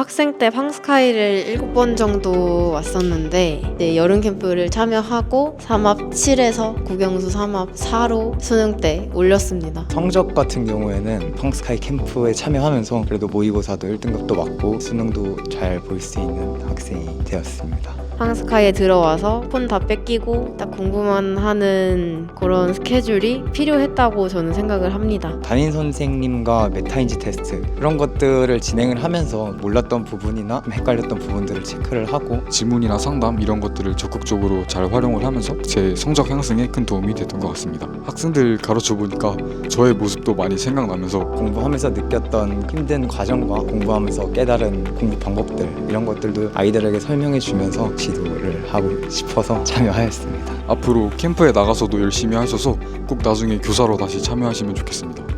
학생 때 팡스카이를 7번 정도 왔었는데 이제 여름 캠프를 참여하고 삼합 7에서 국영수 삼합 4로 수능 때 올렸습니다. 성적 같은 경우에는 펑스카이 캠프에 참여하면서 그래도 모의고사도 1등급도 맞고 수능도 잘 볼 수 있는 학생이 되었습니다. 팡스카이에 들어와서 폰 다 뺏기고 딱 공부만 하는 그런 스케줄이 필요했다고 저는 생각을 합니다. 담임 선생님과 메타인지 테스트 그런 것들을 진행을 하면서 몰랐던 부분이나 헷갈렸던 부분들을 체크를 하고 지문이나 상담 이런 것들을 적극적으로 잘 활용을 하면서 제 성적 향상에 큰 도움이 됐던 것 같습니다. 학생들 가르쳐 보니까 저의 모습도 많이 생각나면서 공부하면서 느꼈던 힘든 과정과 공부하면서 깨달은 공부 방법들 이런 것들도 아이들에게 설명해 주면서 지도를 하고 싶어서 참여하였습니다. 앞으로 캠프에 나가서도 열심히 하셔서 꼭 나중에 교사로 다시 참여하시면 좋겠습니다.